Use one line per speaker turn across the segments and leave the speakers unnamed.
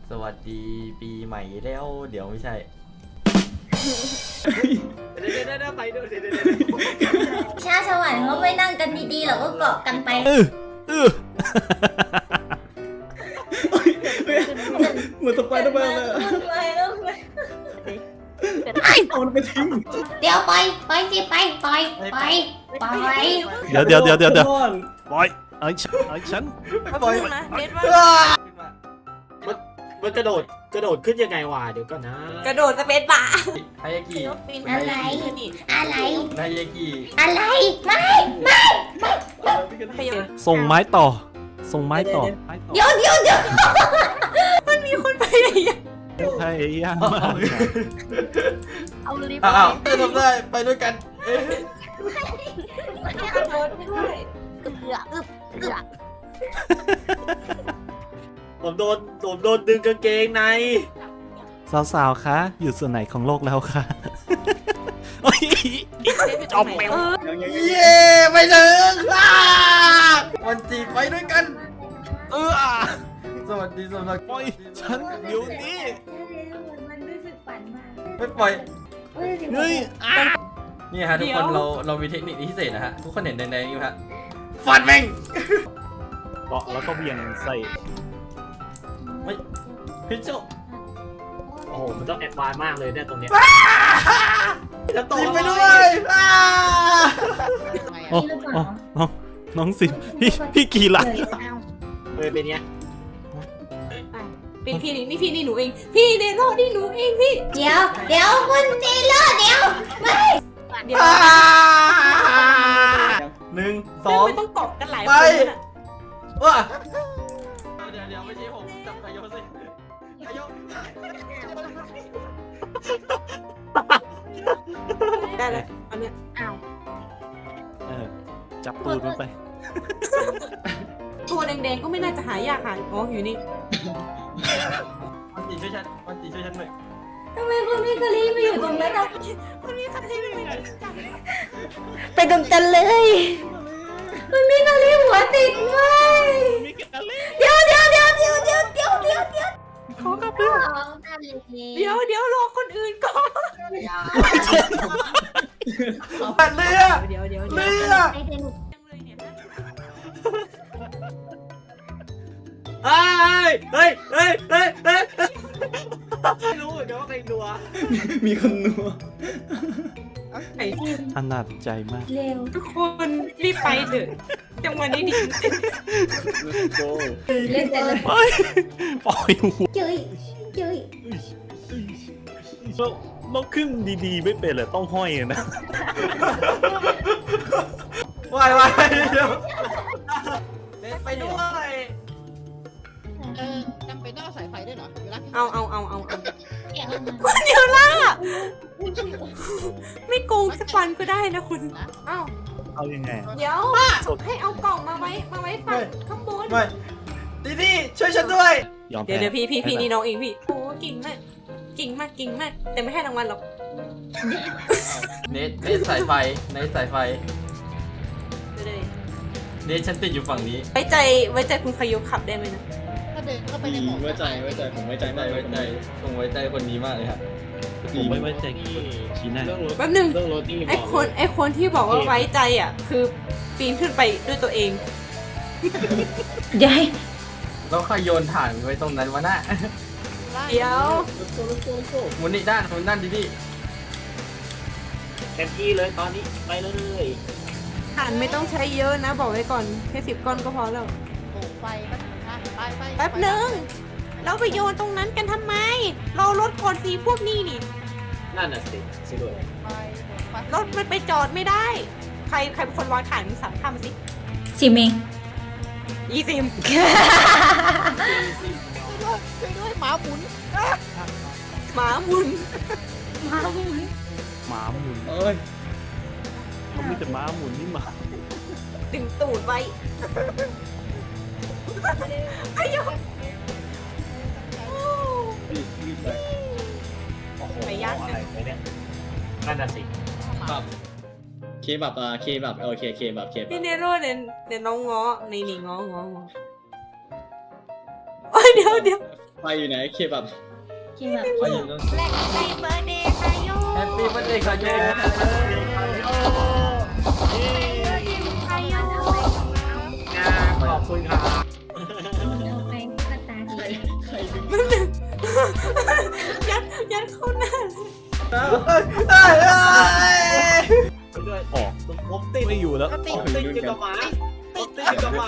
สวัสดีปีใหม่แล้วเดี๋ยวไม่ใช่
เดี๋ยวไปดูเดี๋ยว
ชาสวรรค์เขาไม่นั่งกันดีๆหรอกก็เกาะกันไป
เหมือนสไปเดอร์แมนเลยเอามันไปทิ้ง
เดี๋ยวไปสิไป
เดี๋ยวปล่อยไอ้ฉัน
ปล่อย
นะเน็ตว่ามันกระโดดขึ้นยังไงวะเดี๋ยวก่อนนะกระโดดสเปซบาร์
ไฮยากิ
อะไร
ไฮยากิ
อะไรไม่
ส่งไม้ต่อ
เดี๋ยว
มันมีคนไปไหนอ่ะ
พยายามมาก
เอาลิฟต์
อ้าวทำได้ไปด้วยกัน
กระโดดด้วย
เกือบ
ผมโดนดึงกางเกงใน
สาวๆคะอยู่ส่วนไหนของโลกแล้วคะจบไป
เย้ไปถึงวันจีไปด้วยกันสวัสดีสำหรับ
ปล่อยฉันเดี๋ยวนี้
มันรู้สึกปั่นมาก
ไม่ปล่อย
เฮ้ย
นี่ฮะทุกคนเรามีเทคนิคพิเศษนะฮะทุกคนเห็นแดงๆอยู่ฮะฟันแม่ง
เกาะแล้วก็เวียงใส่
ไม่พิชโช
โอ้โหมันต้องแอดวานซ์มากเลยเนี่ยตรงเนี้ย
จะตกไปด้วย
โอ้น้องสิพี่กี่หลัง
เป็นเนี้ยเป็นพี่นี่หนูเองพี่เนโร่นี่หนูเองพี่
เดี๋ยวคุณจีโร่เดี๋ยวไม่
เดี๋ยว
1 2
ไม่ต้องตบกันหลาย
ไป
คนนะ
ว้าเดี๋ยวไม่ใช่ผมจับไก่โยสิไก่โย
ได้เลยอันเนี้ย
จับตูดมันไป
ตัวแดงๆก็ไม่น่าจะหายากค่ะอ๋ออยู่นี่
วันจีช่วยฉันหน่อย
ทำไมคุณพี่กะลีไปอยู่ตรงนั้นอ่ะ
มันมีใครที่ไม่ได้
ไปตรงกันเลยคุณพี่กะลีหัวติดไหมเดี๋ยว
ขอกลับเรื่องเดี๋ยวรอคนอื่นก่อน
ปัดเรือ
เดี๋ยว
เรือ
ไอเทน
เฮ้ยไม่รู้เหมือนกันว่าใครรัว
มีคนนัว
ไอ้
อนาจใจมาก
เร็ว
ทุกคนรีบไปเถอะจังหวะนี้ดิ
เล่นแต่ละ
ปล่อยหัว
เจ้ย
เราขึ้นดีๆไม่เป็นเลยต้องห้อยนะ
วายเดี๋ยวไปด้วย
จำเป็นต้องเอาสายไฟด้วยเหรอเวลา
เอา
แกะ
คุณเดี๋ยวล่ะไม่โกงสักวันก็ได้นะคุณเอ้า
เอายังไง
เดี๋ยวให้เอากล่องมาไว้ฝั่งข้างบน
ไม่ดีช่วยฉันด้วย
ยอม
เดี๋
แพ้
ยวพี่นี่น้องเองพี่โอ้เก่งมากแต่ไม่ให้รางวัลหรอก
เนทสายไฟ
เดี๋ยว
เนทฉันติดอยู่ฝั่งนี้
ไว้ใจคุณขยุขับได้ไหมนะ
ถ้าเดินเข้าไปในหมอก
ไว้ใจผมไว้ใจมาก
ผมไว้ใจคนนี้มากเลยครับ
ผมไม่ไว้ใจชี้หน้า
แป๊บนึง
เรื่องรถนี่
ไอ้คนที่บอกว่าไว้ใจอ่ะคือปีนขึ้นไปด้วยตัวเอง
เดี๋ยวให้
แล้วใครโยนถ่านไว้ตรงนั้นวะน่ะ
เดี๋ยว
หมุนนี่ด้านดี
เต็มที่เลยตอนนี้ไปเลยถ่านไม่ต้องใช้เยอะนะบอกไว้ก่อนแค่10 ก้อนก็พอแล้ว
โอ้ไฟไป
แป๊บนึงเราไปโยนตรงนั้นกันทำไม เรารถก่อนสีพวกนี้นี่
นั่นน่ะสิด้วย
ไฟ
รถมันไปจอดไม่ได้ ใครเป็นคนวางถ่านมึงสั่งทำมาสิ
สิเมง
20
ช่วยด้วยหมาหมุน
หมาหมุน
หมาหมุน
เอ้ย
เขามีแต่หมาหมุนนี่หมา
ดึงตูดไว้ไอ้ยก
รีบไป
ไปย่างกัน
นั่นน่ะสิ
เคบับเคบับโอเคเคบับ
พี่เนโร่เดี๋ยวน้องง้อในนี่ง้อโอ้ยเดี๋ยว
ไฟอยู่ไหนเคบับ
ที่แบบ
ไปอยู่ตรง
แรกไปเบอร์เดย์ค่ะโย
แฮปปี้วันเด็กค่ะโย
ค่ะโย
ขอบคุณครับ
เอาไปก็ตาดี
ใครดึง
ยัดเข้าหน้า
ด้วย
ออก
ผมติด
ไม่อยู่แล้ว
ก็ติ
ผ
ด
มติดอยู่กับหมาผมติดอยู่กับหมา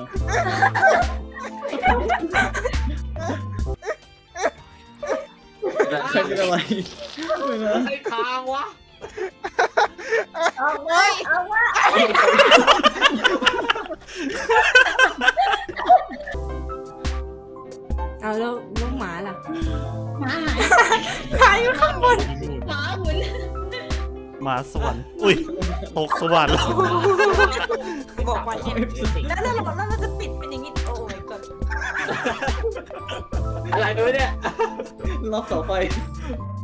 ใครเป็นอะไร
ไอ้ทางวะ
เอาไว้เอาไว้เอาแล้วลูกหมาล่ะหมาหายอยู่ข้างบนหมาหมุน
หมาสวรรค์อุ้ยตกสวรรค์แล้ว
บอกว่าเนี่ยแล้วเราจะปิดเป็นอย่างนี้โอ้ยก่อน
อะไรด้วยเนี่ย
รอบเสาไฟ